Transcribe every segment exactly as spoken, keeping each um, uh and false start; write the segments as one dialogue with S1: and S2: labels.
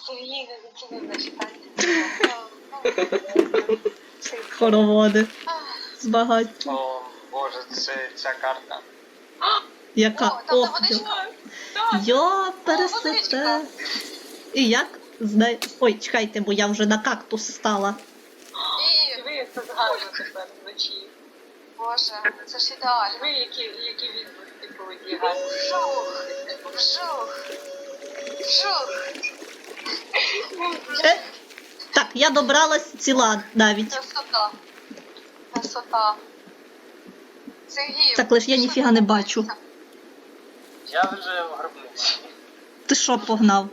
S1: Сергій, це не зачитати.
S2: Хороводи. Збагаття.
S3: О, боже, це ця карта.
S2: Яка?
S1: О, там де
S2: Ох,
S1: водичка.
S2: йо, пересете. І як? Знай... Ой, чекайте, бо я вже на кактус стала.
S1: І,
S4: Ви як це згарно тепер вночі.
S1: боже, це ж ідеально.
S4: Ви які, які відповіді повинні гарні.
S1: Вжух, вжух, вжух.
S2: Е? Так, я добралась ціла навіть.
S1: Красота. Красота. Сергій.
S2: Так, лиш я ніфіга не бачу.
S3: Я вже в гробниці.
S2: Ти що погнав?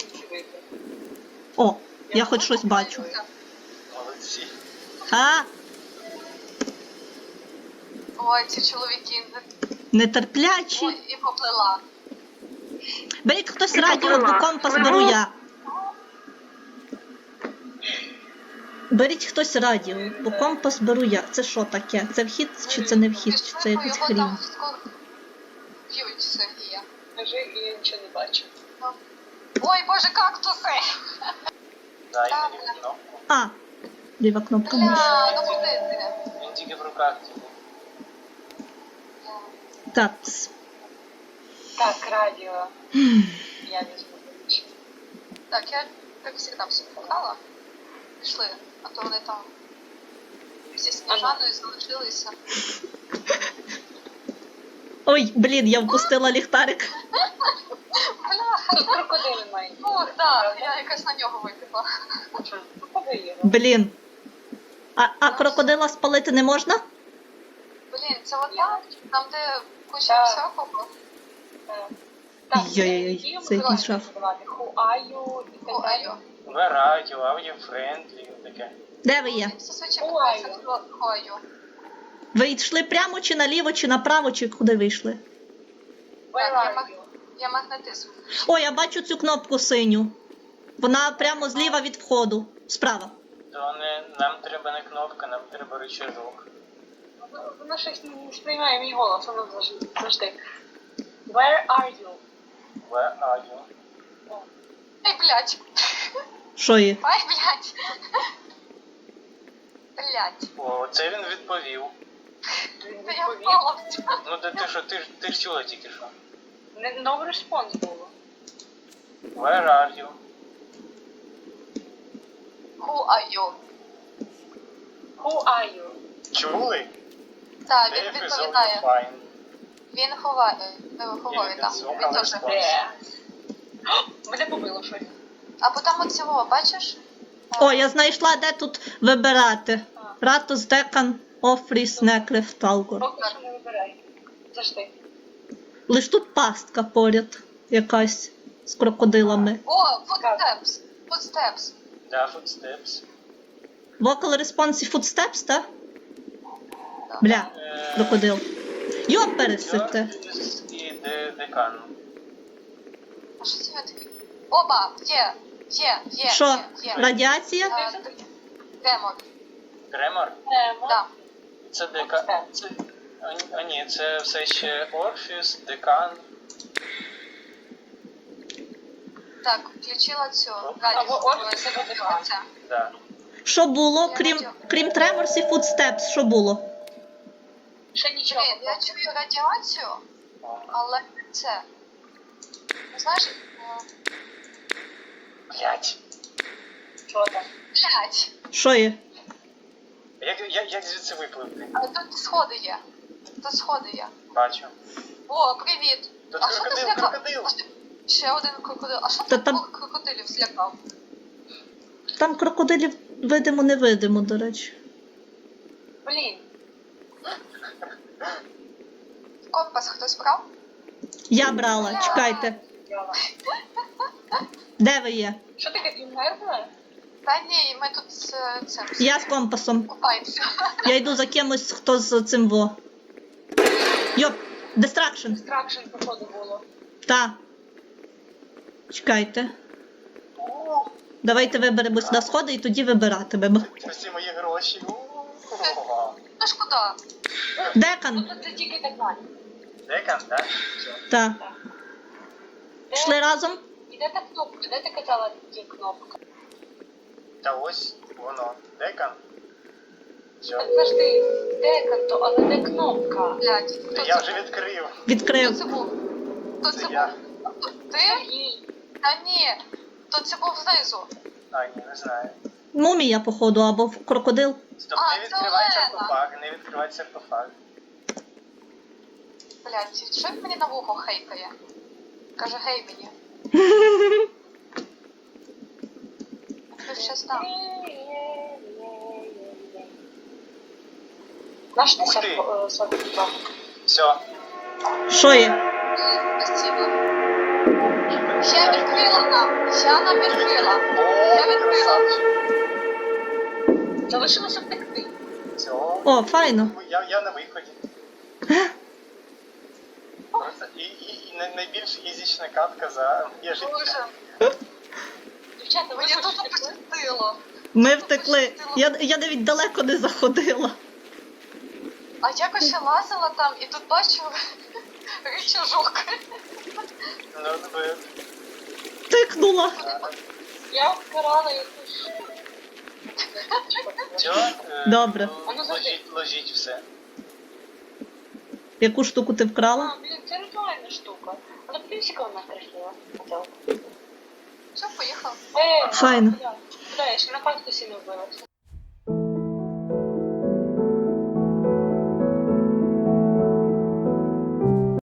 S2: О, я хоч щось бачу.
S3: Молодці.
S2: А,
S1: Ой, ці чоловіки.
S2: нетерплячі.
S1: Ой, і поплила.
S2: Беріть хтось радіо, бо компас беру я. Беріть хтось радіо, бо компас беру я. Це що таке? Це вхід чи це не вхід? Чи це якийсь
S1: Його
S2: хрін?
S1: там скоро б'ють Сергія.
S4: Кажи, і я нічого не бачу.
S1: Ой, боже, кактуси!
S3: Дай
S1: Так,
S3: мені
S1: бля.
S3: кнопку.
S2: А, ліва кнопка миші.
S1: Бля, ну куди ти?
S3: Він тільки в руках.
S2: Так.
S4: Так, радіо. Я візьму ключ.
S1: Так, я, як завжди, все погнала. Пішли, а то вони там зі Сніжаною залишилися.
S2: Ой, блін, я впустила ліхтарик.
S1: Бля,
S4: Тут крокодили мають.
S1: ох, так, я якась на нього випила.
S4: Покажи його.
S2: Блін. А, а крокодила спалити не можна?
S1: Блін, це отак, там де куча
S4: Так.
S1: всякого.
S4: Так,
S2: Йой-йой-йой, це якийсь жах.
S4: Who are you? І так
S1: О,
S4: далі.
S1: айо.
S3: Ви радіо, аудіо френдлі, таке.
S2: Де ви є?
S1: Зазвичай
S4: Ой.
S1: купується хою.
S2: Ви йшли прямо чи наліво, чи направо, чи куди ви йшли?
S4: Where
S1: Так, я
S4: are
S1: маг-
S4: you?
S1: Я магнетизм.
S2: О, я бачу цю кнопку синю. Вона прямо зліва від входу. Справа.
S3: То не, нам треба не кнопка, нам треба рычажок.
S4: Воно- Воно щось не сприймає мій голос, воно завжди- завжди. Where are you?
S3: Where are you?
S1: Ай, блядь.
S2: Що є?
S1: Ай, блядь. Блядь.
S3: О, це він відповів.
S4: Він
S1: Та я
S4: відповів.
S1: впала в цю.
S3: Ну ти, ти що, ти, ж- ти ж чула тільки що.
S4: Не no response було.
S3: Where are you?
S1: Who are you?
S4: Who are you?
S3: Чули?
S1: Так, він
S3: Death is all
S1: відповідає.
S3: fine.
S1: Він ховає, е, ховає там. Він теж.
S4: Де? Мене побило щось.
S1: Або там от цього, бачиш?
S2: О, я знайшла, де тут вибирати. Ратус, Декан, Офріс, Неклеф, Талгор.
S4: Поки що не вибирай. Завжди.
S2: Лиш тут пастка поряд якась з крокодилами.
S1: О, footsteps. Footsteps.
S3: Да, footsteps.
S2: Vocal response і footsteps, так?
S1: Да.
S2: Бля,
S3: Е,
S2: крокодил. Йо, пересите.
S3: Йоркіс і де, декан.
S1: А що це він такий? Оба, є, є, є,
S2: Що,
S1: є, є.
S2: радіація?
S1: А, Демон,
S3: Гремор?
S4: Немо.
S1: да.
S3: Це декан. Це... А, ні- а ні, це все ще Орфіс, декан.
S1: Так, включила цю
S4: Або
S1: радіо.
S4: Орфіс, або Декан.
S3: Да.
S2: Що було, крім, крім Треморс і Footsteps, що було?
S4: Ще нічого.
S1: Блін, я чую радіацію,
S3: О.
S1: але це. Ну, знаєш, е,
S3: Блять.
S4: Що там?
S1: блядь,
S2: Що є?
S3: Як, як, як звідси випливти?
S1: а тут сходи є. Тут сходи є.
S3: Бачу.
S1: О, привіт.
S3: Тут
S1: А що ти
S3: крокодил,
S1: злякав?
S3: крокодил.
S1: Ще один крокодил. А що
S2: Та
S1: ти
S2: там-
S1: двох крокодилів злякав?
S2: Там крокодилів видимо-невидимо, до речі.
S4: Блін.
S1: Компас хтось брав?
S2: Я брала, чекайте.
S4: Йола.
S2: Де ви є?
S4: Що таке, ти вмерла?
S1: Та ні, ми тут з е, цим
S2: Я з компасом.
S1: купаємося.
S2: Я йду за кимось, хто з цим во. Йоп, дистракшн.
S4: Стракшн, походу, було.
S2: Та. Чекайте.
S3: О,
S2: Давайте виберемось на сходи і тоді вибиратимемо.
S3: це всі мої гроші. О,
S1: Ну ж куди?
S2: Декан.
S4: Тобто це тільки Декан.
S3: Декан, так? Все.
S2: Та. Пішли разом?
S4: І де та кнопка? Де ти казала, є кнопка?
S3: Та ось воно. Декан. Все.
S4: Так завжди, де канто, але де кнопка?
S1: Блядь, хто
S3: Та я
S1: це
S3: вже
S1: був?
S3: відкрив.
S1: Хто
S2: Відкрив.
S1: це був? Хто
S3: Це
S1: це
S3: я.
S1: був? Ти?
S4: Сергій.
S1: Та ні. Хто це був знизу?
S3: А, ні, не знаю.
S2: Мумія, походу, або крокодил.
S3: Стоп,
S1: А,
S3: не
S1: це
S3: відкривай
S1: Олена.
S3: саркофаг, не відкривай саркофаг.
S1: Блядь, що він мені на вухо хейкає? Каже, гей мені. Ти щас там.
S4: Наш ти
S3: Ух ти.
S4: сарко- е, саркофаг?
S3: Все.
S2: Що є?
S1: Спасибо. Я відкрила нам. Я нам відкрила. Я
S3: О,
S1: відкрила.
S3: красавчик.
S4: Залишилося втекти.
S3: Все.
S2: О, файно.
S3: Я, я на виході. Просто і, і, і най- найбільш ізічна катка за моє життя.
S1: Боже,
S4: Дівчата, ви
S1: мені
S4: хоч
S1: тут
S4: втекли?
S1: пощастило.
S2: Ми втекли. Я, я навіть далеко не заходила.
S1: А якось ще лазила там і тут бачу рычажок.
S3: Ну, ви...
S2: Тикнула.
S4: Я вкрала якусь.
S3: Все, е,
S2: Добре.
S3: л- Ложіть, ложіть все.
S2: Яку штуку ти вкрала?
S4: А, блін, це ритуальна штука. Але плюсика вона красива.
S1: Все, поїхав.
S4: Е,
S2: Файно.
S4: Куди? Куди? Я ще на кактусі не вбилася.